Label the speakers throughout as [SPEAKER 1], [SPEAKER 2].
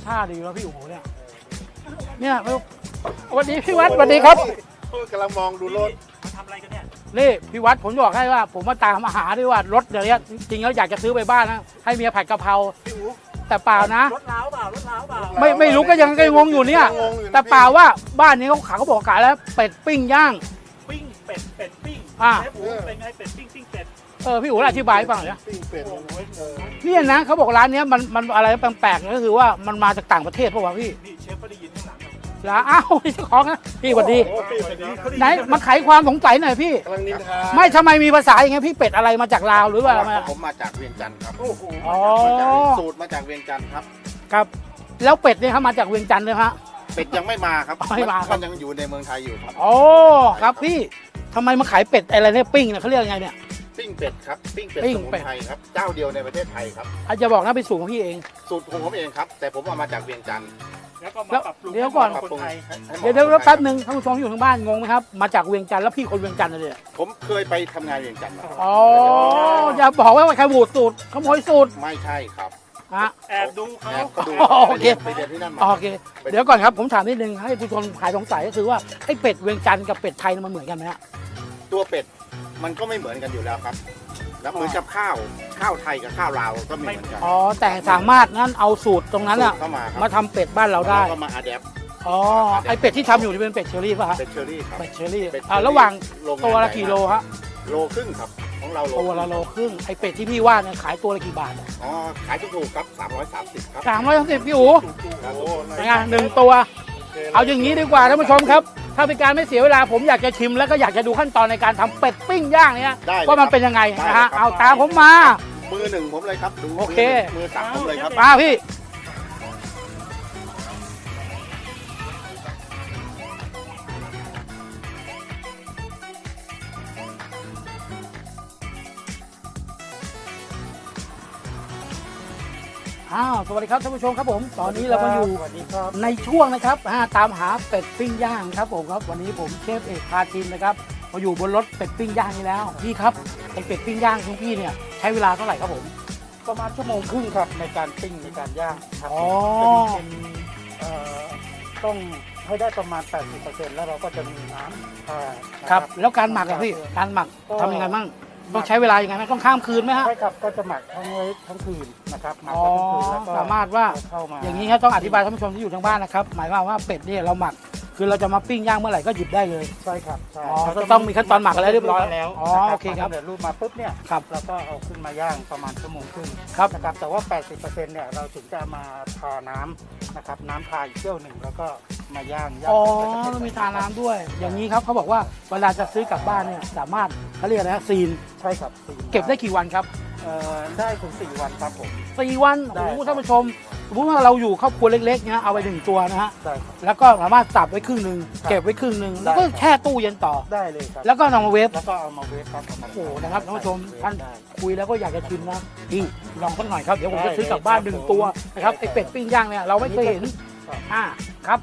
[SPEAKER 1] ท่าดีแล้วพี่โอ๋เนี่ยวันนี้พี่วัดสวัสดีครับ
[SPEAKER 2] กำลังมองดูรถ
[SPEAKER 3] มาทำอะไรกันเนี่ย
[SPEAKER 1] นี่พี่วัดผมบอกให้ว่าผมมาตามอาหารด้วยว่ารถเดี๋ยวนี้จริงๆแล้วอยากจะซื้อไปบ้านนะให้เมียผัดกะเพราแต่เปล่านะ
[SPEAKER 3] รถล้าวเปล่ารถล้าวเปล่า
[SPEAKER 1] ไม่รู้ก็ยังงงอยู่เนี่ยแต่เปล่าว่าบ้านนี้เขาบอกขายแล้วเป็ดปิ้งย่าง
[SPEAKER 3] ปิ้งเป็ดปิ้ง
[SPEAKER 1] อ่า
[SPEAKER 3] เชฟอู๋เป็นไงเป็ดปิ้งเป็ด
[SPEAKER 1] พี่อู๋อธิบายให้ฟังหน่อยนะ
[SPEAKER 2] ปิ้งเป็ด
[SPEAKER 3] โอ้โห
[SPEAKER 1] เนี่ยนะเขาบอกร้านเนี้ยมันอะไรแปลกๆก็คือว่ามันมาจากต่างประเทศป่าวะพี่
[SPEAKER 3] นี่เชฟก็ได้ยินข้างหลัง
[SPEAKER 1] แล้วอ้าวนี่เจ้าของนะพี่สวัสดี
[SPEAKER 3] โอ้เป็ดเขา
[SPEAKER 1] ไหนมาไขความสงสัยหน่อยพี่
[SPEAKER 2] กำลังนินทา
[SPEAKER 1] ไม่ทำไมมีภาษาอย่างเงี้ยพี่เป็ดอะไรมาจากลาวหรือว่าอะไร
[SPEAKER 2] ผมมาจากเวียงจันทร์ครับ
[SPEAKER 3] โอ้โห
[SPEAKER 1] อ๋อ
[SPEAKER 2] สูตรมาจากเวียงจันทร์ครับ
[SPEAKER 1] ครับแล้วเป็ดเนี่ยเขามาจากเวียงจันทร์เลยฮะ
[SPEAKER 2] เป็ดยังไม่มาครับ
[SPEAKER 1] ไม่มาครับ
[SPEAKER 2] นยังอยู่ในเมืองไทยอยู่ครับ
[SPEAKER 1] โอ้ครับพี่ทำไมมาขายเป็ดอะไรเนี่ยปิ้งเนี่ยเขาเรียกยังไงเนี่ย
[SPEAKER 2] ปิ้งเป็ดครับปิ้งเป็ด
[SPEAKER 1] ปิ้ง
[SPEAKER 2] สมุ
[SPEAKER 1] เป็ด
[SPEAKER 2] นไพรครับเจ้าเดียวในประเทศไทยครับ
[SPEAKER 1] อาจจะบอกนะเป็นสูตรของพี่เอง
[SPEAKER 2] สูตรของผมเองครับ แต่ผมเอามาจากเวียงจันทร์
[SPEAKER 3] แล้วก็มาปรับปรุง
[SPEAKER 1] เดี๋ยวก่อน
[SPEAKER 3] ให้คนไทย
[SPEAKER 2] ให้หมาะ
[SPEAKER 1] เดี๋ยว
[SPEAKER 2] คนไทย
[SPEAKER 1] แป๊บนึงท่านผู้ชมที่อยู่ทางบ้านงงไหมครับมาจากเวียงจันทร์แล้วพี่คนเวียงจันทร์เลยเนี่ย
[SPEAKER 2] ผมเคยไปทำงานเวียงจันทร์มาครับ
[SPEAKER 1] อ๋ออย่าบอกว่าใครบูดสูตรขโมยสูตร
[SPEAKER 2] ไม่ใช่ครับ
[SPEAKER 1] ฮะ
[SPEAKER 3] แอบดูเขา
[SPEAKER 2] แอบก็ดู
[SPEAKER 1] โอเค
[SPEAKER 2] ไปเรียนที่นั่นมา
[SPEAKER 1] โอเคเดี๋ยวก่อนครับผมถามนิดนึงให้ผู้ชมหายสงสัยก็คือว่าไอ้เป็ดเวียงจันทร์กับเป็ดไทยมันเหมือนกันไหมฮะ
[SPEAKER 2] ตัวเป็ดมันก็ไม่เหมือนกันอยู่แล้วครับ แล้วเหมือนกับข้าวไทยกับข้าวลาวก็ไม่เหมือนกัน
[SPEAKER 1] อ๋อแต่สามารถงั้นเอาสูตรตรงนั้นอะ
[SPEAKER 2] เข้ามาครับ
[SPEAKER 1] มาทำเป็ดบ้านเราได้
[SPEAKER 2] แล้วก็มาอะแดป
[SPEAKER 1] อ๋อไอเป็ดที่ทำอยู่นี่เป็นเป็ดเชอรี่ป่ะฮะ
[SPEAKER 2] เป็ดเชอรี่ครับ
[SPEAKER 1] เป็ดเชอรี่
[SPEAKER 2] เป็ดเชอรี่
[SPEAKER 1] ระหว่าง
[SPEAKER 2] โรงงาน
[SPEAKER 1] ตัวละ
[SPEAKER 2] ใหญ่
[SPEAKER 1] กี่โลฮะ
[SPEAKER 2] โลครึ่งครับของเรา
[SPEAKER 1] ตัวละโลครึ่งไอเป็ดที่พี่ว่าเนี่ยขายตัวละกี่บาท
[SPEAKER 2] อ๋อขายถูกๆครับ330ครับ
[SPEAKER 1] 330พี่อู๋
[SPEAKER 2] ครับ
[SPEAKER 1] เป็นไงหนึ่งตัว เอาอย่างนี้ดีกว่าท่านผู้ชมครับ ถ้าเป็นการไม่เสียเวลาผมอยากจะชิมแล้วก็อยากจะดูขั้นตอนในการทำเป็ดปิ้งย่างเนี่ย
[SPEAKER 2] ได้เลย
[SPEAKER 1] ว่ามันเป็นยังไง
[SPEAKER 2] ได้
[SPEAKER 1] นะ
[SPEAKER 2] เลยครั
[SPEAKER 1] ฮะ
[SPEAKER 2] บ
[SPEAKER 1] เอาตามผมมา
[SPEAKER 2] มือหนึ่งผมเลยครับดู
[SPEAKER 1] โอเค
[SPEAKER 2] มือสั่งผมเลยครับ
[SPEAKER 1] มาพี่สวัสดีครับท่านผู้ชมครับผมตอนนี้เราก็อยู่
[SPEAKER 3] สวัสดีครับ
[SPEAKER 1] ในช่วงนะครับตามหาเป็ดปิ้งย่างครับผมครับวันนี้ผมเชฟเอกพาทีมนะครับมาอยู่บนรถเป็ดปิ้งย่างนี้แล้วพี่ครับไอเป็ดปิ้งย่างของพี่เนี่ยใช้เวลาเท่าไหร่ครับผม
[SPEAKER 3] ประมาณชั่วโมงครึ่งครับในการปิ้งในการย่างครับ
[SPEAKER 1] อ๋อ
[SPEAKER 3] เป็นต้องให้ได้ประมาณ 80%แล้วเราก็จะมีน้ำ
[SPEAKER 1] ครับแล้วการหมักอะพี่การหมักทำยังไงบ้างต้องใช้เวลายังไงไหมต้องข้ามคืนไหมฮะ
[SPEAKER 3] ใช่ครับก็จะหมักทั้งไว้ทั้งคืนนะครับหมัก
[SPEAKER 1] อ๋อ
[SPEAKER 3] ไว้ทั้งคืนแล้วก็
[SPEAKER 1] สามารถว่า
[SPEAKER 3] เอเข้ามา
[SPEAKER 1] อย่างนี้ครับต้องอธิบายท่านผู้ชมที่อยู่ทางบ้านนะครับหมายความว่าเป็ดเนี่ยเราหมักคือเราจะมาปิ้งย่างเมื่อไหร่ก็หยิบได้เลย
[SPEAKER 3] ใช่ครับใช่
[SPEAKER 1] อ๋อ
[SPEAKER 3] เราจะ
[SPEAKER 1] ต้องมีขั้นตอนหมักอะไรเรียบร้อย
[SPEAKER 3] แล้ว
[SPEAKER 1] อ๋อโอเคครับ
[SPEAKER 3] เดี๋ยวรูปมาปุ๊บเนี่ย
[SPEAKER 1] ครับ
[SPEAKER 3] เราก็เอาขึ้นมาย่างประมาณชั่วโมงครึ่ง
[SPEAKER 1] ครับ
[SPEAKER 3] นะครับแต่ว่า 80%เนี่ยเราถึงจะมาทาน้ำนะครับน้ำทาอีกเที่ยวหนึ่งแล้วก็มาย่าง
[SPEAKER 1] อ๋อ
[SPEAKER 3] จนกระทั่ง
[SPEAKER 1] มีทาน้ำด้วย อย่างนี้ครับเขาบอกว่าเวลาจะซื้อกลับบ้านเนี่ยสามารถเขาเรียกอะไรนะซีน
[SPEAKER 3] ใช่ครับ
[SPEAKER 1] เก็บได้กี่วันครับ
[SPEAKER 3] ได้ถึง4 วันครับผม
[SPEAKER 1] 4 วัน
[SPEAKER 3] ได้
[SPEAKER 1] โอ้โหท่านผู้ชมสมมติว่าเราอยู่ครอบครัวเล็กๆนะเอาไป1ตัวนะฮะ
[SPEAKER 3] ได้ครับ
[SPEAKER 1] แล้วก็สามารถสับไว้ครึ่งหนึ่ง
[SPEAKER 3] ครับ
[SPEAKER 1] เก็บไว้ครึ่งหนึ่ง
[SPEAKER 3] ได้
[SPEAKER 1] แล้วก็แช่ตู้เย็นต่อ
[SPEAKER 3] ได้เลยครับ
[SPEAKER 1] แล้วก็นำมาเวฟ
[SPEAKER 3] แล้วก็เอามาเวฟครับเอามา
[SPEAKER 1] โอ้โหนะครับท่านผู้ชมท่าน
[SPEAKER 3] ได้
[SPEAKER 1] คุยแล้วก็อยากจะชิมนะพี่ลองสักหน่อยครับเดี๋ยวผม
[SPEAKER 3] ได้
[SPEAKER 1] จะซื้อกลับบ้าน
[SPEAKER 3] เลย
[SPEAKER 1] 1
[SPEAKER 3] ครับ
[SPEAKER 1] ตัวนะครับ
[SPEAKER 3] ผม
[SPEAKER 1] ไอเป็ดปิ้งย่างเนี่ยเราไม่เคยเห็น
[SPEAKER 3] ครับ
[SPEAKER 1] ครับ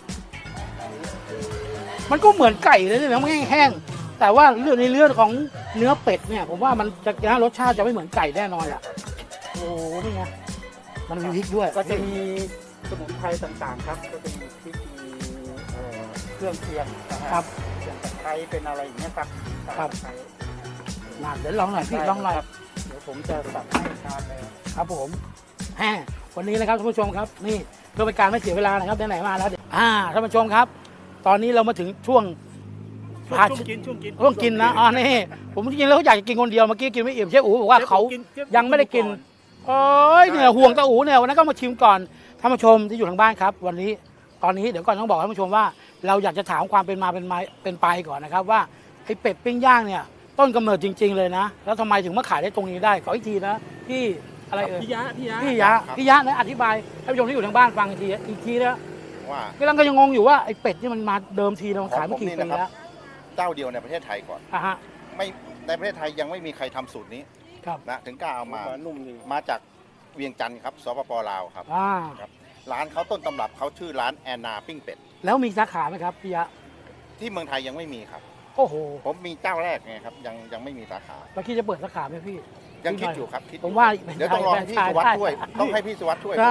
[SPEAKER 1] มันก็เหมือนไก่เลยนะมันแห้งๆแต่ว่าเรื่องในเรื่องของเนื้อเป็ดเนี่ยผมว่ามันจะนะรสชาติจะไม่เหมือนไก่แน่นอนอ่ะโอ้โหนี่ไงมันมีพริกด้วย
[SPEAKER 3] ก็จะมีสมุนไพรต่างๆครับก็จะมีพริกมีเครื่องเคียงนะฮะ
[SPEAKER 1] ครับ
[SPEAKER 3] เครื่องตะไคร้เป็นอะไรอย่างเงี้ยครับ
[SPEAKER 1] ครับ
[SPEAKER 3] ตะไคร้
[SPEAKER 1] มาเดี๋ยวลองหน่อยพี่ลองหน่อย
[SPEAKER 3] ครับเดี๋ยวผมจะสับให้ทานเลย
[SPEAKER 1] ครับผมวันนี้นะครับท่านผู้ชมครับนี่เพื่อเป็นการไม่เสียเวลานะครับไหนๆมาแล้วท่านผู้ชมครับ ตอนนี้เรามาถึงช่วง
[SPEAKER 3] ช่วงกิน
[SPEAKER 1] ช่วงกินนะนี่ผมจริงๆแล้วอยากจะกินคนเดียวเมื่อกี้กินไม่อิ่มเชฟอู๋บอกว่าเขายังไม่ได้กินโอ้ยเนี่ยห่วงตาอู๋เนี่ยวันนั้นก็มาชิมก่อนท่านผู้ชมที่อยู่ทางบ้านครับ วันนี้ตอนนี้เดี๋ยวก่อนต้องบอกท่านผู้ชมว่า เราอยากจะถามความเป็นมาเป็นไปก่อนนะครับว่าไอ้เป็ดปิ้งย่างเนี่ยต้นกำเนิดจริง ๆเลยนะแล้วทำไมถึงมาขายได้ตรงนี้ได้ขออีกทีนะพี่อะไรเอ่ย
[SPEAKER 3] พี่ยะ
[SPEAKER 1] พี่ยะนะอธิบายให้ผู้ชมที่อยู่ทางบ้านฟังอีกทีนะ
[SPEAKER 2] ว่า
[SPEAKER 1] กำลังก็ยังงงอยู่ว่าไอ้เป็ดนี่มันมาเดิมทีมันขายมากี่ปีแล้ว
[SPEAKER 2] เจ้าเดียวในประเทศไทยก่อน
[SPEAKER 1] ฮะ
[SPEAKER 2] ไม่ในประเทศไทยยังไม่มีใครทำสูตรนี้
[SPEAKER 1] ครับ
[SPEAKER 2] นะถึงกล้าเอามา
[SPEAKER 3] นุ่มดี
[SPEAKER 2] มาจากเวียงจันทร์ครับสปปลาวครับ ครับร้านเขาต้นตำรับเขาชื่อร้านแอนนาปิ้งเป็ด
[SPEAKER 1] แล้วมีสาขาไหมครับพี่ยะ
[SPEAKER 2] ที่เมืองไทยยังไม่มีครับ
[SPEAKER 1] โอ้โห
[SPEAKER 2] ผมมีเจ้าแรกไงครับยังไม่มีสาขา
[SPEAKER 1] เราคิดจะเปิดสาขาไหมพี่
[SPEAKER 2] ยังคิดอยู่ครับคิดอยู่
[SPEAKER 1] ผมว่า
[SPEAKER 2] เดี๋ยวต้องรอให้พี่สุวัสด์ช่วยต้องให้พี่สุวัสด์ช่วย